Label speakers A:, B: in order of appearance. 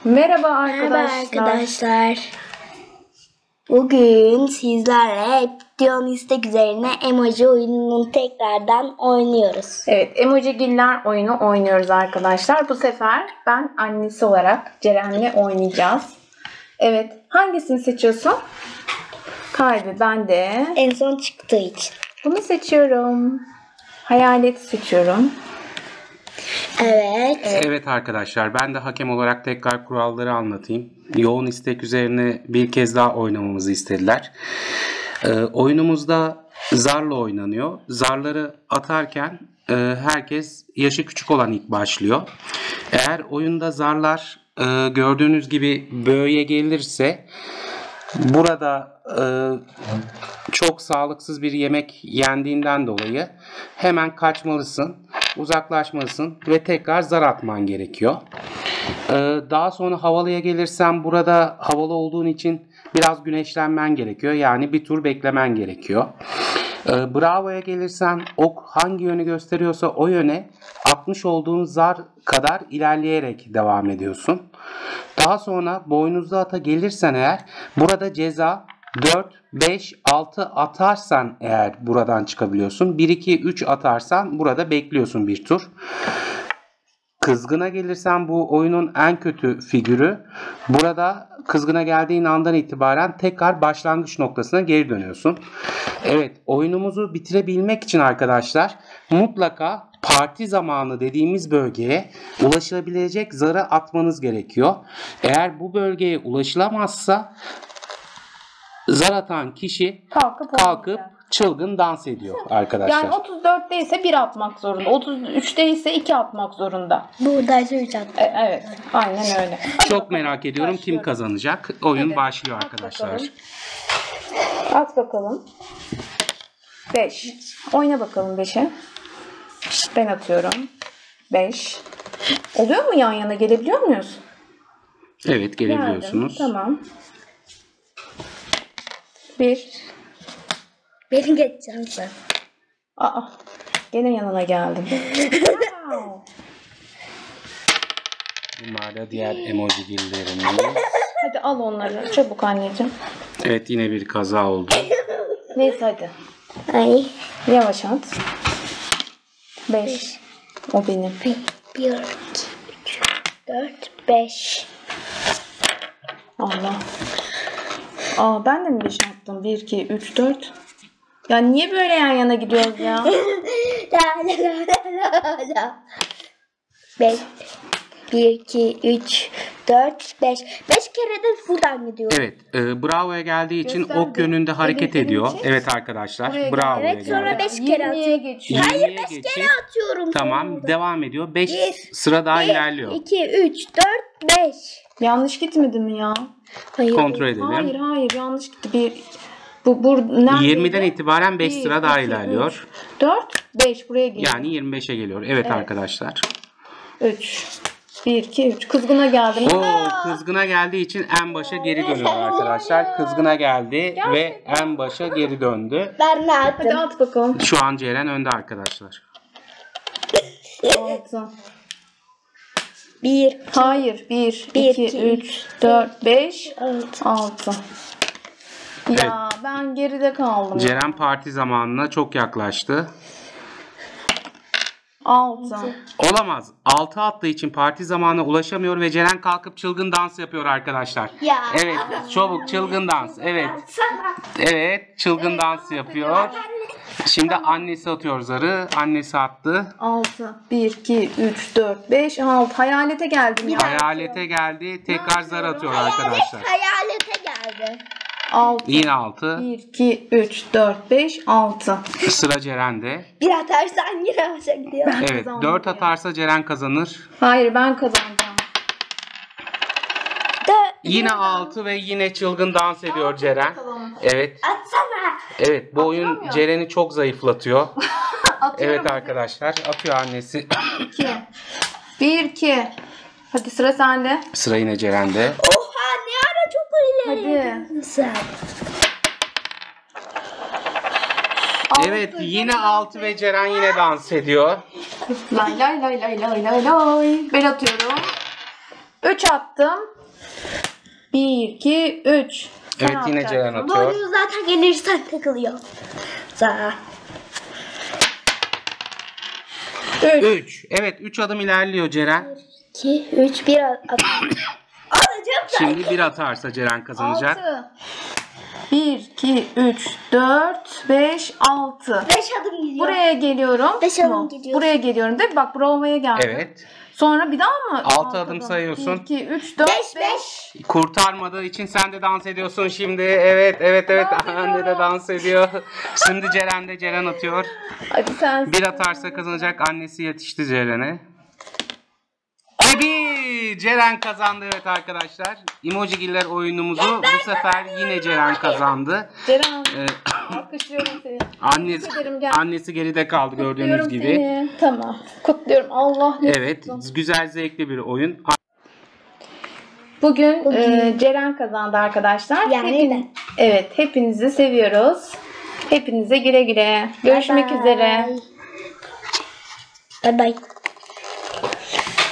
A: Merhaba
B: Merhaba
A: arkadaşlar.
B: arkadaşlar. Bugün sizlerle Dion istek üzerine emoji oyununu tekrardan oynuyoruz.
A: Evet, Emojigiller oyunu oynuyoruz arkadaşlar. Bu sefer ben annesi olarak Ceren'le oynayacağız. Evet, hangisini seçiyorsun? Kalbi bende.
B: En son çıktığı için.
A: Bunu seçiyorum. Hayalet seçiyorum.
B: Evet.
C: Evet arkadaşlar, ben de hakem olarak tekrar kuralları anlatayım. Yoğun istek üzerine bir kez daha oynamamızı istediler. Oyunumuzda zarla oynanıyor. Zarları atarken herkes yaşı küçük olan ilk başlıyor. Eğer oyunda zarlar gördüğünüz gibi böye gelirse burada çok sağlıksız bir yemek yendiğinden dolayı hemen kaçmalısın, uzaklaşmalısın ve tekrar zar atman gerekiyor. Daha sonra havalıya gelirsen burada havalı olduğun için biraz güneşlenmen gerekiyor. Yani bir tur beklemen gerekiyor. Bravo'ya gelirsen ok hangi yönü gösteriyorsa o yöne atmış olduğun zar kadar ilerleyerek devam ediyorsun. Daha sonra boynuzlu ata gelirsen eğer burada ceza 4, 5, 6 atarsan eğer buradan çıkabiliyorsun. 1, 2, 3 atarsan burada bekliyorsun bir tur. Kızgına gelirsen bu oyunun en kötü figürü. Burada kızgına geldiğin andan itibaren tekrar başlangıç noktasına geri dönüyorsun. Evet, oyunumuzu bitirebilmek için arkadaşlar mutlaka parti zamanı dediğimiz bölgeye ulaşılabilecek zarı atmanız gerekiyor. Eğer bu bölgeye ulaşılamazsa zar atan kişi kalkıp çılgın dans ediyor arkadaşlar.
A: Yani 34'te ise 1 atmak zorunda. 33'te ise 2 atmak zorunda.
B: Buradaysa 3 attı.
A: Evet, aynen öyle.
C: Çok merak ediyorum kim kazanacak. Oyun başlıyor arkadaşlar.
A: At bakalım. 5. Oyna bakalım 5'e. Ben atıyorum. 5. Oluyor mu, yan yana gelebiliyor muyuz?
C: Evet, gelebiliyorsunuz.
A: Geldim. Tamam. 1.
B: Beni geçeceğim sen.
A: Aa, gene yanına geldim. Wow.
C: Bunlar da diğer emoji dillerimiz.
A: Hadi al onları. Çabuk anneciğim.
C: Evet, yine bir kaza oldu.
A: Neyse hadi.
B: Ay.
A: Yavaş at. 5. O benim.
B: 1, 2, 3, 4, 5.
A: Allah. Aa, ben de mi 5 attım? 1, 2, 3, 4. Ya niye böyle yan yana gidiyoruz ya?
B: 5, 1, 2, 3, 4, 5. 5 kere de buradan gidiyor.
C: Evet, Bravo'ya geldiği için
A: Gösterdi.
C: ok yönünde hareket
A: Elini
C: ediyor.
A: çek.
C: Evet arkadaşlar,
A: Buraya
C: Bravo'ya
B: Evet, sonra
C: geldi.
B: 5 kere
A: 20'ye
B: atıyor.
A: geçiyor.
B: Hayır,
C: 20'ye
B: 5
C: geçip-
B: kere atıyorum.
C: Tamam, devam ediyor. 5
B: Bir,
C: sıra daha ilerliyor.
B: 2, 3, 4, 5.
A: Yanlış gitmedi mi ya?
B: Hayır.
C: Kontrol edelim.
A: Hayır yanlış gitti. Bu neredeydi?
C: 20'den itibaren 5
A: Bir,
C: sıra daha
A: iki,
C: ilerliyor.
A: 4, 5 buraya geliyor.
C: Yani 25'e geliyor. Evet arkadaşlar.
A: 3. 1, 2, 3. Kızgına geldim.
C: O kızgına geldiği için en başa geri dönüyor arkadaşlar. Kızgına geldi ve en başa geri döndü.
B: Ben ne
A: Hadi
B: attım?
A: at bakalım.
C: Şu an Ceren önde arkadaşlar.
A: 6.
B: 1,
A: Hayır. 1,
B: Bir,
A: 2,
B: iki,
A: 3, 4, 5,
B: 6.
A: 6. Ya ben geride kaldım.
C: Ceren parti zamanına çok yaklaştı.
A: 6.
C: Olamaz. 6 attığı için parti zamanına ulaşamıyor ve Ceren kalkıp çılgın dans yapıyor arkadaşlar.
B: Ya.
C: Evet, çabuk çılgın dans. Evet. Evet, çılgın dans yapıyor. Şimdi annesi atıyor zarı. Annesi attı.
A: 6. 1, 2, 3, 4, 5, 6. Hayalete geldim ya.
C: Hayalete geldi. Tekrar zar atıyor arkadaşlar.
B: Hayalete geldi.
A: 6.
C: Yine 6.
A: 1, 2, 3, 4, 5, 6.
C: Sıra Ceren'de.
B: Bir atarsan yine başa gidiyor.
C: Evet,
A: kazandım
C: 4
A: ya.
C: atarsa Ceren kazanır.
A: Hayır, ben kazanacağım.
C: Yine 6 ve yine çılgın dans ediyor Ceren. Evet.
B: Atsana.
C: Evet, bu oyun Ceren'i çok zayıflatıyor.
A: Atıyorum.
C: Evet arkadaşlar, atıyor annesi.
A: 2. 1, 2. Hadi sıra sende.
C: Sıra yine Ceren'de.
B: Oha, ne ara çok ileri.
A: Hadi.
B: Sen.
C: Evet, yine 6 ve Ceren yine dans ediyor.
A: Lay lay lay lay lay lay lay. Ben atıyorum. 3 attım. 1, 2, 3.
C: Evet, yine Ceren
B: Bu
C: atıyor.
B: oyun zaten gelirsen takılıyor. Za.
A: 3.
C: 3. Evet, 3 adım ilerliyor Ceren.
B: 2, 3, 1 at. Alacağım da.
C: Şimdi 1 atarsa Ceren kazanacak.
A: 6. 1, 2, 3, 4, 5, 6.
B: 5 adım gidiyor.
A: Buraya geliyorum.
B: Beş adım
A: Tamam.
B: gidiyorsun.
A: Buraya geliyorum değil mi? Bak Brova'ya geldim.
C: Evet.
A: Sonra bir daha mı?
C: 6 adım sayıyorsun.
A: 1, 2, 3, 4,
B: 5,
A: 5.
C: Kurtarmadığı için sen de dans ediyorsun şimdi. Evet.
A: Dans
C: Anne de
A: ediyorum.
C: dans ediyor. Şimdi Ceren atıyor.
A: Hadi sen.
C: 1 atarsa kazanacak. Annesi yetişti Ceren'e. Ceren kazandı, evet arkadaşlar. Emojigiller oyunumuzu bu sefer yine Ceren kazandı.
A: Ceren, alkışlıyorum seni.
C: Annesi,
A: Tebrik ederim, gel.
C: annesi geride kaldı gördüğünüz
A: Kutluyorum
C: gibi.
A: seni. Tamam. Kutluyorum. Allah ne
C: Evet, güzel zevkli bir oyun.
A: Bugün Ceren kazandı arkadaşlar.
B: Yani ben.
A: Evet, hepinizi seviyoruz. Hepinize güle güle. Görüşmek
B: Bye bye.
A: üzere.
B: Bye bye.